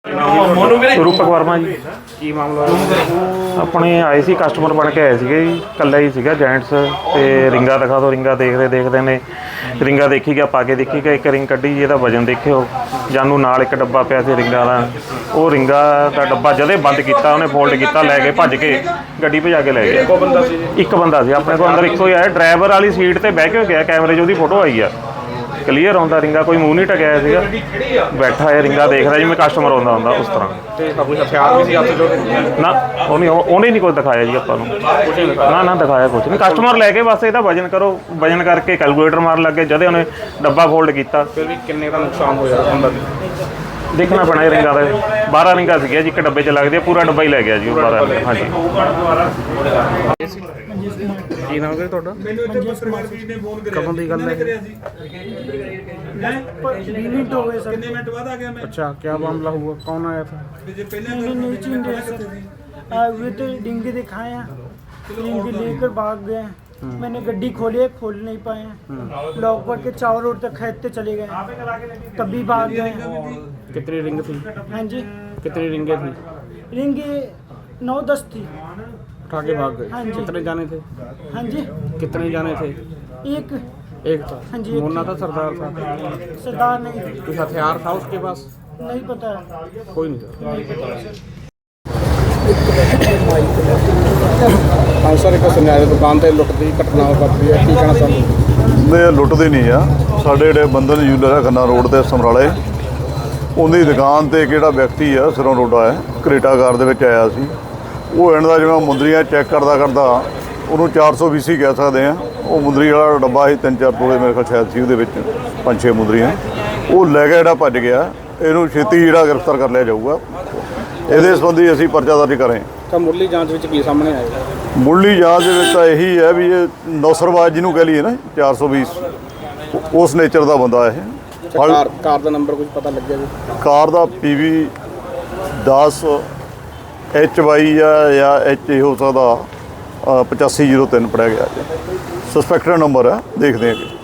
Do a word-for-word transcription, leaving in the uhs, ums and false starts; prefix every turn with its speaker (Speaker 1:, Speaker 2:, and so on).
Speaker 1: रूपक वर्मा जी
Speaker 2: की मामला
Speaker 1: अपने आए सी कस्टमर बन के आए थे जी, कल्ला ही सीगा जेंट्स ते रिंगा दिखा दो, रिंगा देखते देखते ने रिंगा देखी गया, पा के देखी गया, एक रिंग कड्ढी जी, इहदा वजन देखियो, जानू नाल एक डब्बा पिया सी रिंगा दा, वो रिंगा दा डब्बा जदे बंद किया उन्हें फोल्ड किया, लै गए भज के गड्डी भजा के लै गए। एक बंदा सी अपने को अंदर, इक्को ही आया, ड्राइवर वाली सीट ते बह के गया, कैमरे 'ਚ ਉਹਦੀ फोटो आई है क्लीयर आउंदा, रिंगा कोई मूँह नहीं टकाया सीगा, बैठा है रिंगा देखदा जिवें कस्टमर आउंदा हुंदा उस तरह ना, उन्हें उन्हें नहीं कुछ दिखाया जी आपां नूं, ना ना दिखाया कुछ नहीं, कस्टमर लैके बस इहदा वजन करो, वजन करके कैलकुलेटर मारन लग गए, जदे उन्हें डब्बा फोल्ड किया
Speaker 2: फिर भी किन्ने का नुकसान होया अंदर
Speaker 1: देखना पैना है। रिंगा का बारह रिंगा सीगिया जी, एक डब्बे च लगदी, पूरा डब्बा ही लै गया जी बारह रिंगा। हाँ जी
Speaker 2: की नाम है ਤੁਹਾਡਾ? ਕਦੋਂ ਦੀ ਗੱਲ ਹੈ?
Speaker 3: मिनट हो गए सर।
Speaker 2: अच्छा, क्या मामला हुआ, कौन आया था?
Speaker 3: नहीं नहीं चिंता सर, वे तो डिंगे दिखाए हैं, डिंगे लेकर भाग गए हैं। मैंने गड्डी खोली है, खोल नहीं पाए हैं, लॉक पर के चारों रोड तक खेदते चले गए, तभी भाग गए।
Speaker 2: कितनी रिंग थी?
Speaker 3: हाँ जी,
Speaker 2: कितनी रिंगे थी?
Speaker 3: रिंगे नौ दस थी।
Speaker 2: उठा के भाग गए?
Speaker 3: हाँ जी।
Speaker 2: कितने जाने थे?
Speaker 3: हाँ जी,
Speaker 2: कितने जाने थे?
Speaker 3: एक
Speaker 2: एक था।
Speaker 3: हाँ जी, एक
Speaker 2: मुन्ना था, सरदार था?
Speaker 3: सरदार नहीं थे।
Speaker 2: कुछ हथियार था उसके पास?
Speaker 3: नहीं पता है,
Speaker 2: कोई नहीं था।
Speaker 3: नहीं पता सर।
Speaker 2: हाँ सर, एक सुनिया दुकान से लुट की घटना वापरी है, की कहना चाहते?
Speaker 4: नहीं लुटते नहीं आ, साढ़े जो बंधन यूलर है खन्ना रोड से समराले, उनकी दुकान से किहड़ा व्यक्ति है सिरों रोडा है करेटा कार दे विच आया सी, वो इन्हां दा जिवें मुंदरियां चैक करदा करदा उन्होंने चार सौ बीसी कह सकते हैं, वो मुंदरी वाला डब्बा ही तीन चार तोले मेरे ख्याल शायद सी, वो पाँच छे मुंदरियां वो लै गया, भज गया, इनू छेती जिहड़ा गिरफ्तार कर लिया जाऊगा। ये संबंधी असीं परचा दर्ज करें।
Speaker 2: तो मुरली जांच में की सामने आएगा?
Speaker 4: मुरली जांच तो यही है भी ये नौसरबाज जिन्हों कह लीए ना चार सौ बीस, उस नेचर का बंदा है।
Speaker 2: कार कार का नंबर कुछ पता लग गया? कार
Speaker 4: का पी वी दस एच वाई या एच हो सकता पचासी जीरो तीन पढ़िया गया, सस्पैक्टेड नंबर है, देखते हैं कि